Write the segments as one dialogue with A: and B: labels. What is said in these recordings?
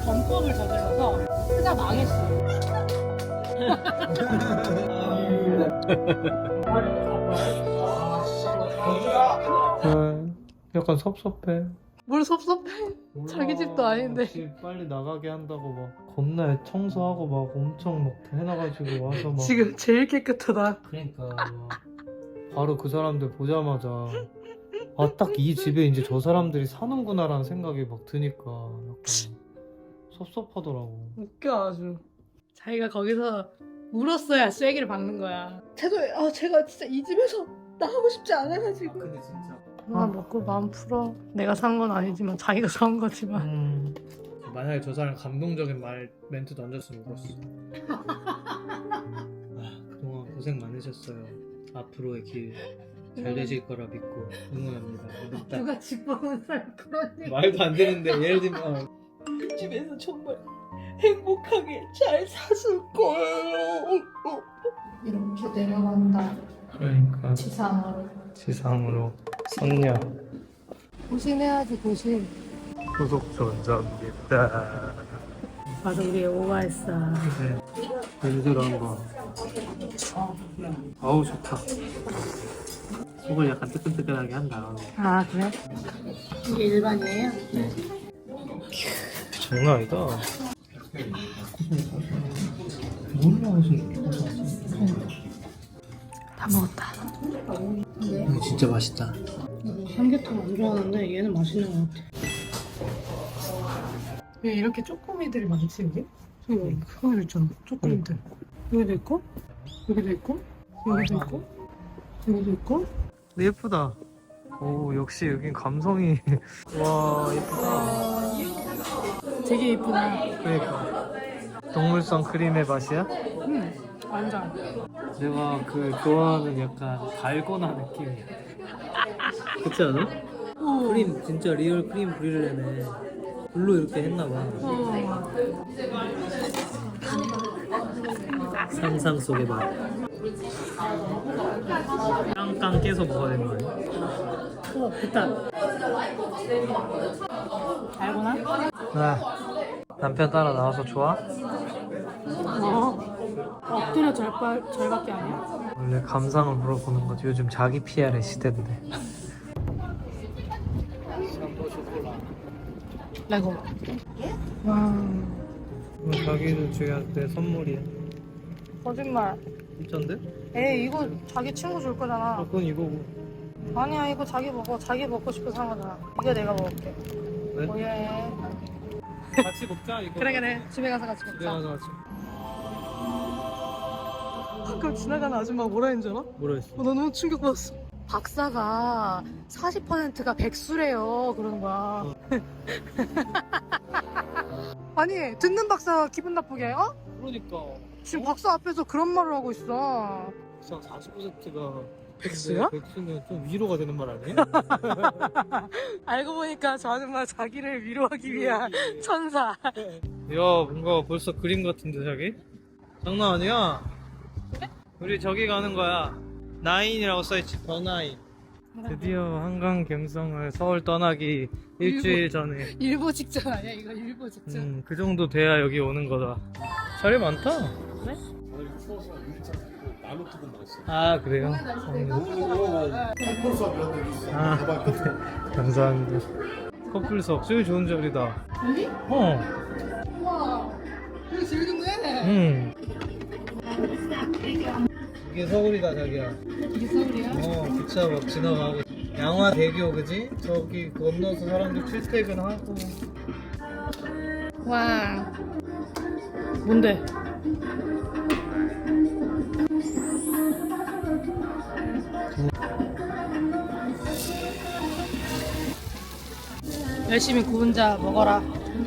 A: 범법을 저질러서 회사 망했어.
B: 약간 섭섭해.
A: 뭘 섭섭해? 자기 집도 아닌데.
B: 집 빨리 나가게 한다고 막 겁나 청소하고 막 엄청 막 해놔가지고 와서 막
A: 지금 제일 깨끗하다.
B: 그러니까 막 바로 그 사람들 보자마자 아 딱 이 집에 이제 저 사람들이 사는구나라는 생각이 막 드니까 약간 섭섭하더라고.
A: 웃겨 아주. 자기가 거기서 울었어야 쐐기를 박는 거야. 제가 진짜 이 집에서 나가고 싶지 않아가지고.
B: 근데 진짜
A: 먹고 마음 풀어. 내가 산 건 아니지만 자기가 산 거지만.
B: 만약에 저 사람 감동적인 멘트 던졌으면 울었어. 그동안 고생 많으셨어요. 앞으로의 길 잘 되실 거라 믿고 응원합니다.
A: 누가 집 보는 사람 그런 얘기.
B: 말도 안 되는데 예를 들면
A: 이 집에서 정말 행복하게 잘 사실 거예요. 이렇게 내려간다.
B: 그러니까
A: 지상으로.
B: 선녀
A: 고신해야지 고신.
B: 고속전자입니다.
A: 맞아 우리 오가했어.
B: 냄새로 한번. 아우 좋다. 속을 약간 뜨끈뜨끈하게 한 다음에.
A: 아 그래? 이게 일반이에요?
B: 장난 아니다. 몰라 무슨.
A: 다 먹었다.
B: 이거 진짜 맛있다.
A: 삼계탕 안 좋아하는데 얘는 맛있는 것 같아. 왜 이렇게 쪼꼬미들이 많지 여기? 저기 그거 있잖아 쪼꼬미들. 여기도 있고 여기도 있고 여기도 있고 여기도 있고.
B: 예쁘다. 오 역시 여긴 감성이. 와 예쁘다.
A: 되게 예쁘다.
B: 그러니까 동물성 크림의 맛이야?
A: 응 완전.
B: 내가 그 좋아하는 약간 달고나 느낌이야. 그렇지 않아? 크림 진짜 리얼 크림 브릴레네. 물로 이렇게 했나봐. 상상 속의 맛. 깡깡 깨서 먹어야 되는 거 아니야?
A: 됐다. 달고나?
B: 남편 따라 나와서 좋아?
A: 엎드려 절밖에 아니야.
B: 원래 감상을 물어보는 거지. 요즘 자기 PR의 시대인데.
A: 레고. 와.
B: 자기를 주한테 선물이야.
A: 거짓말.
B: 진짠데?
A: 에이 이거 자기 친구 줄 거잖아.
B: 그건 이거고.
A: 아니야 이거 자기 먹어. 자기 먹고 싶어서 산 거잖아. 이거 내가 먹을게.
B: 왜?
A: 오예.
B: 같이 먹자 이거.
A: 그래 집에 가서 같이
B: 집에
A: 먹자.
B: 가서 같이.
A: 가끔 지나가는 아줌마가 뭐라 했는 줄 알아?
B: 뭐라 했어?
A: 나 너무 충격받았어. 박사가 40%가 백수래요 그러는 거야. 아니 듣는 박사가 기분 나쁘게 어?
B: 그러니까
A: 지금 박사 앞에서 그런 말을 하고 있어.
B: 40%가
A: 백수야?
B: 백수면 좀 위로가 되는 말 아니야?
A: 알고 보니까 저 아줌마 자기를 위로하기 위한 천사.
B: 야 뭔가 벌써 그림 같은데 자기? 장난 아니야? 우리 저기 가는 거야. 나인이라고 써있지. 더 나인. 드디어 한강 갬성을 서울 떠나기 일주일 전에.
A: 일보 직전 아니야 이거 일보 직전.
B: 그 정도 돼야 여기 오는 거다. 자리 많다.
A: 그래?
B: 아 그래요? 아 감사합니다. 커플석 제일 좋은 자리다.
A: 여기? 우와 여기 제일 좋네.
B: 이게 서울이다 자기야.
A: 이게 서울이야?
B: 기차 막 지나가고 양화대교 그지? 저기 건너서 사람들 출퇴근하고.
A: 와 뭔데? 열심히 구운 자 먹어라.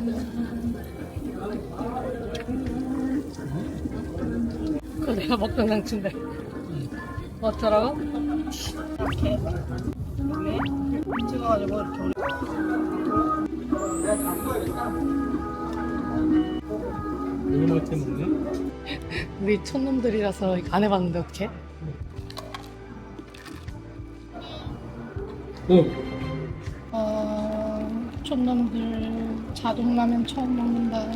A: 그거 내가 먹던 상추인데. 어쩌라고? 이렇게 왜? 찍어가지고 이렇게 올려.
B: 이거 때 먹네?
A: 우리 촌놈들이라서 안 해봤는데 어떡해?
B: 오!
A: 촌놈들 자동라면 처음 먹는다.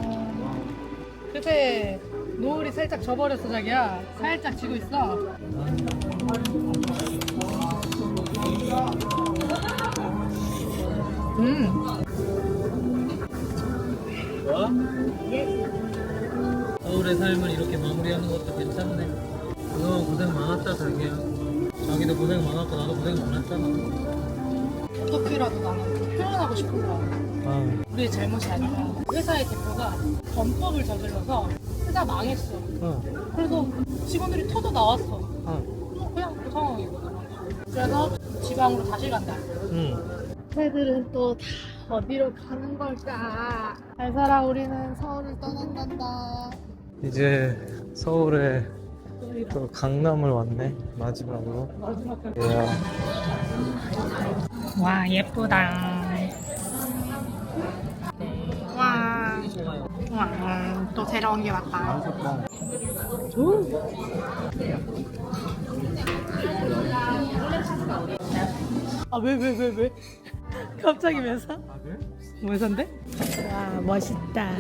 A: 그새 노을이 살짝 져버렸어 자기야. 살짝 지고 있어.
B: 좋아? 서울의 삶을 이렇게 마무리하는 것도 괜찮네. 그동안 고생 많았다 자기야. 자기도 고생 많았고 나도 고생 많았잖아.
A: 어떻게라도 나는 표현하고 싶은 거야. 우리의 잘못이 아니라 회사의 대표가 범법을 저질러서 회사 망했어. 그래서 직원들이 터져 나왔어. 그냥 그 상황이거든. 그래서 지방으로 다시 간다. 애들은 또 다 어디로 가는 걸까? 잘 살아, 우리는 서울을 떠난단다.
B: 이제 서울에 또 강남을 왔네 마지막으로. 이야.
A: 와, 예쁘다. 와, 또 새로운 게 왔다. 아, 왜? 갑자기 회사? 회사인데? 와, 멋있다.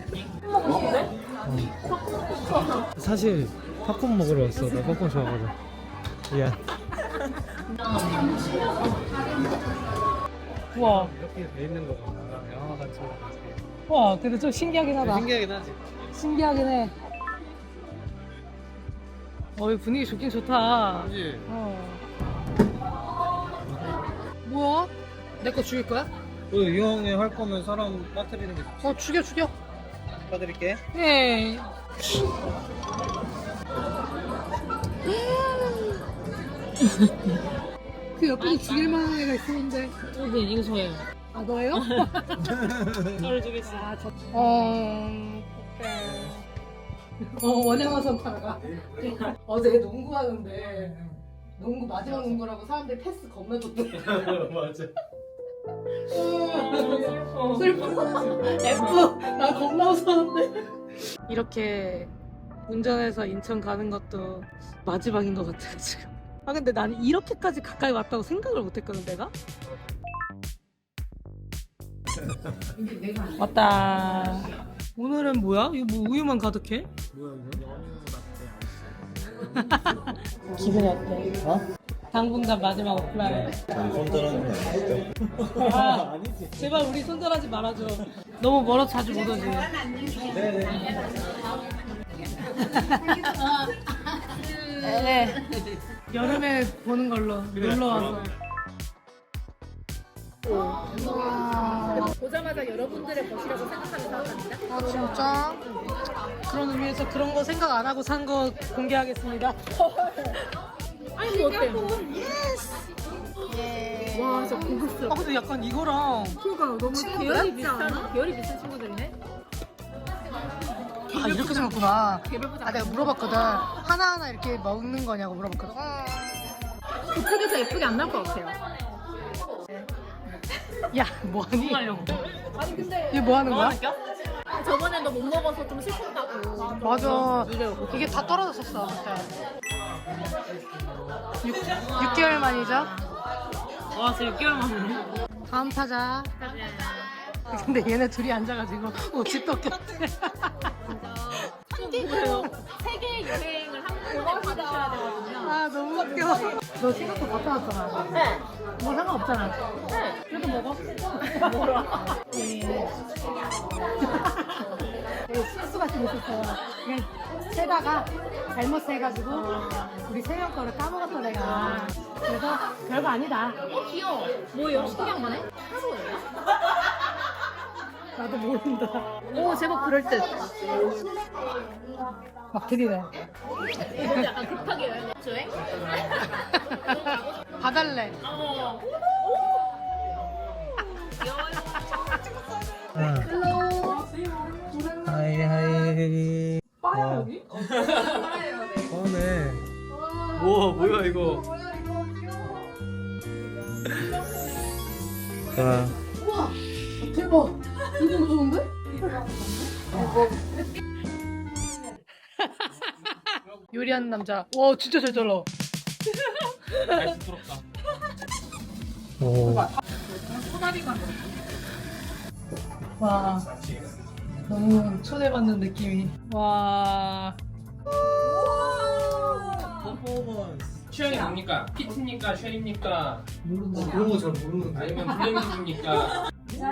B: 사실 팝콘 먹으러 왔어. 나 팝콘 좋아하거든. 미안.
A: 와,
B: 이렇게 돼 있는 거구나. 영화 같이.
A: 와, 근데 좀 신기하긴 하다.
B: 신기하긴 하지.
A: 신기하긴 해. 이 분위기 좋긴 좋다.
B: 그지?
A: 뭐야? 내 거 죽일 거야?
B: 이 형이 할 거면 사람 빠뜨리는 게 좋지.
A: 죽여.
B: 빠뜨릴게.
A: 네. 그 옆에 죽일 만한 애가 있었는데.
C: 네, 이거 저예요.
A: 아, 너예요?
C: 저를 주겠어요.
A: 아, 원양어 선타가 어제 농구하는데 농구 마지막 농구라고 사람들이 패스 겁나 줬대.
B: 맞아.
A: 슬퍼. F. 나 겁나 웃었는데. 이렇게 운전해서 인천 가는 것도 마지막인 것 같아 지금. 아 근데 나는 이렇게까지 가까이 왔다고 생각을 못했거든 내가. 왔다. 오늘은 뭐야? 이거 뭐 우유만 가득해? 기분이 어때? 당분간 마지막 오프라인.
D: 손 떠나는 거 아니시죠?
A: 아, 제발 우리 손절하지 말아줘. 너무 멀어서 자주 못 오지. 네. 여름에 보는 걸로 놀러 와서.
C: 보자마자 여러분들의 것이라고 생각하는 사람입니다.
A: 아 진짜? 그런 의미에서 그런 거 생각 안 하고 산 거 공개하겠습니다.
C: 아니, 뭐 어때요? 와, 진짜 고급스럽다.
A: 아 근데 약간 이거랑
C: 그러니까 너무 계열이 비슷한, 계열이 비슷한 친구들이네?
A: 아 이렇게 생겼구나.
C: 개별 포장.
A: 아 내가 물어봤거든. 하나하나 이렇게 먹는 거냐고 물어봤거든.
C: 그쪽에서 예쁘게 안 나올 것 같아요.
A: 야 뭐하니?
C: 하려고. 아니, 근데.
A: 얘 뭐 하는 거야?
C: 저번에 너 못 먹어서 좀 슬펐다고.
A: 맞아. 이게 다 떨어졌었어. 그때. 6개월 만이죠?
C: 와, 진짜 6개월 만이네.
A: 다음 타자. 근데 얘네 둘이 앉아가지고 옷이 똑같아.
C: 뭐예요? 세계 여행을 한꺼번에 받으셔야 되거든요.
A: 아 너무 웃겨. 너 생각도 못 나왔잖아.
C: 네.
A: 뭐 상관없잖아.
C: 네.
A: 그래도 먹어.
C: 뭐라?
A: 실수가 좀 있었어요. 그냥 세다가 잘못 세가지고 우리 세 명 거를 까먹었어 내가. 그래서 별거 아니다.
C: 귀여워. 뭐예요? 신기한 거네? 하루예요?
A: 나도 모른다.
C: 오, 제법 그럴듯.
A: 막 들이네.
C: 이거 약간 급하게 여행 주행?
A: 봐달래.
C: 어.
B: 하이. 빠야 여기? 빠네. 우와 뭐야 이거? 와.
A: 우와 대박. 이거 무서운데? 요리하는 남자. 와 진짜 잘 잘라.
B: 오.
C: 소다리만.
A: 와 너무 초대받는 느낌이. 와.
B: 퍼포먼스.
E: 취향이 뭡니까? 피트입니까? 쉘입니까?
B: 모른다. 그런 거 잘 모르는데.
E: 아니면 블렌딩입니까?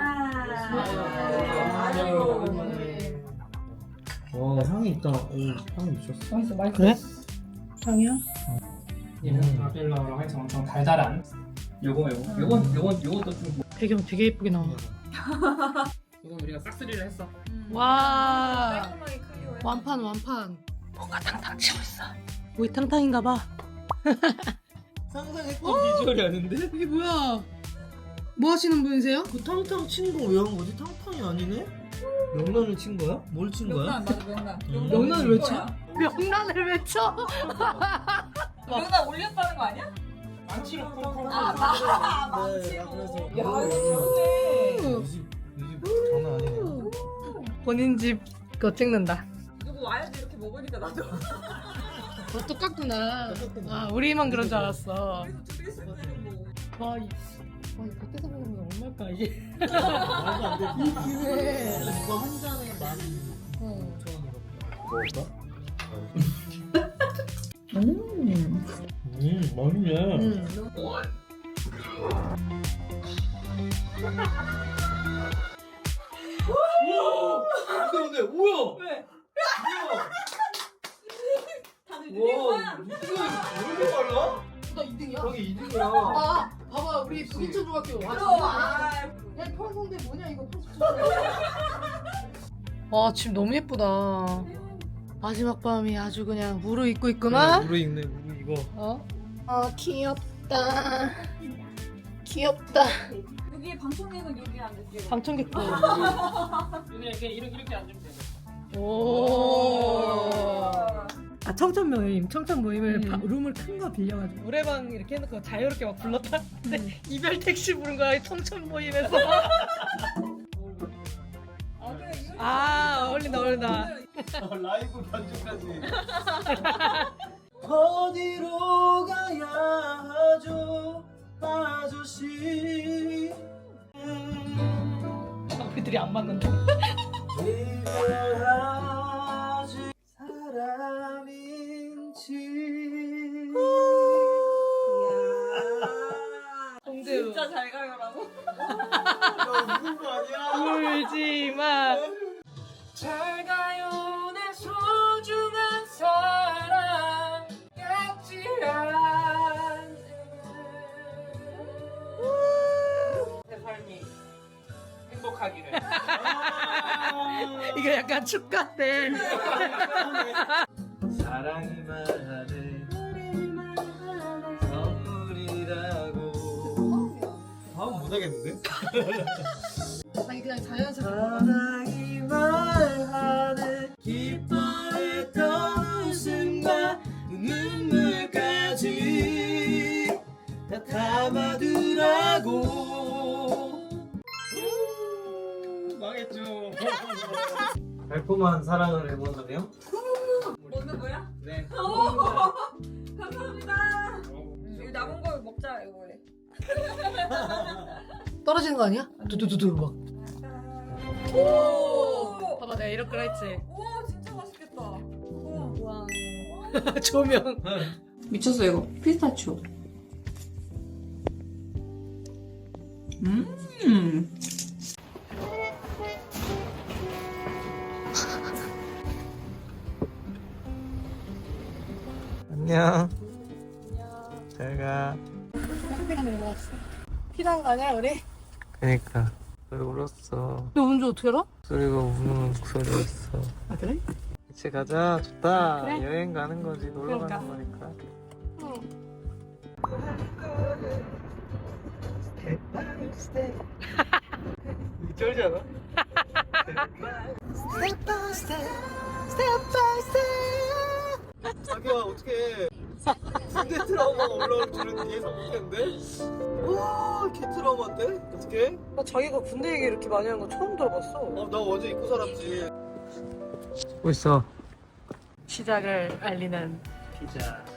B: 와 향이 있다. 오 향이 미쳤어.
A: 맛있어 맛있어. 그래? 향이야?
E: 얘는 라벨라로 해서 엄청 달달한. 요것도 좀.
A: 배경 되게 예쁘게 나와.
E: 이건 우리가 싹쓸이를 했어.
A: 와.
C: 깔끔하게 클리어해.
A: 완판. 뭔가 탕탕 치고 있어. 오이탕탕인가봐.
B: 상상했던 비주얼이 아닌데?
A: 이게 뭐야? 뭐 하시는 분이세요?
B: 그 탕탕 친 거 왜 한 거지? 탕탕이 아니네? 명란을 친 거야? 뭘 친 거야?
C: 명란 맞아 명란.
A: 명란을 왜 쳐? 명란을 왜 쳐?
C: 명란 올렸다는 거 아니야?
E: 망치로 콩콩.
B: 네, 나 그래서
C: 야 이거 좋네.
B: 이집 장난 아니네요.
A: 본인 집 거 찍는다.
C: 누구 와야지 이렇게 먹으니까 나도.
A: 똑같구나. 아 우리만 그런 줄 알았어.
C: 그래서 둘이 있을 때는 뭐.
A: 와, 이 밖에서 먹으면 얼마일까 이게?
B: 말도 안 되지.
A: 그래.
B: 이거 한 잔에 15,000원이라고. 먹을까? 맛있네. 우와! 근데 뭐야?
C: 왜? 다들
B: 와,
C: 느린 거야?
B: 왜 이렇게 빨라?
A: 나 2등이야?
B: 저기 2등이야.
A: 아, 봐봐 우리 부기초중학교.
C: 그럼.
A: 야 평성대 뭐냐 이거 80초. 와 집 너무 예쁘다. 마지막 밤이 아주 그냥 무르익고 있구나.
B: 물에 있네, 물 이거.
A: 어? 아 귀엽다. 귀엽다.
C: 여기 방청객은 여기 앉을게요.
A: 방청객도.
E: 이렇게 앉으면 돼.
A: 오. 아 청천 모임을 룸을 큰 거 빌려가지고 노래방 이렇게 해놓고 자유롭게 막 불렀다. 근데 이별 택시 부른 거야 이 청천 모임에서. 아 어울린다.
B: 라이브 반주까지. 어디로 가야 하죠, 아저씨.
A: 우리들이 안 맞는다.
B: 이별하지 사람인지.
A: 동대우
C: 진짜 잘 가요라고?
B: 나 웃는 거 아니야?
A: 울지마.
E: 잘 가요 내 소중한 사랑 같지 않은 내 삶이 행복하기를.
A: 이거 약간 축가 때.
B: 사랑이 말하네 선물이라고. 다음 못하겠는데?
A: 아니 그냥 자연스럽게.
B: 사랑이 말하네 기뻐했던 웃음과 눈물까지 다 담아두라고. 망했죠. 달콤한 사랑을 해보자며?
C: 먹는 거야?
B: 네.
C: 감사합니다. 이거 남은 거 먹자 이거에.
A: 떨어지는 거 아니야? 두두두두 막.
C: 오.
A: 봐봐 내가 이렇게 했지.
C: 오 진짜 맛있겠다. 우와.
A: 조명.
C: 미쳤어 이거 피스타치오.
B: 안녕. 잘가.
A: 피난 거 아니야 우리?
B: 그니까 소리 울었어.
A: 너 운전 어떻게 알아?
B: 소리가 우는 목소리였어.
A: 아 그래?
B: 같이 가자. 좋다.
A: 그래.
B: 여행 가는 거지. 놀러
A: 그러니까.
B: 가는 거니까.
A: 응.
B: 쩔지 않아? 자기야 어떡해. 군대 트라우마가 올라올 줄은 예상 못했는데? 와, 개 트라우마인데? 어떡해?
A: 나 자기가 군대 얘기 이렇게 많이 하는 거 처음 들어봤어.
B: 나 어제 입고 살았지. 찍고 있어.
A: 시작을 알리는
B: 피자.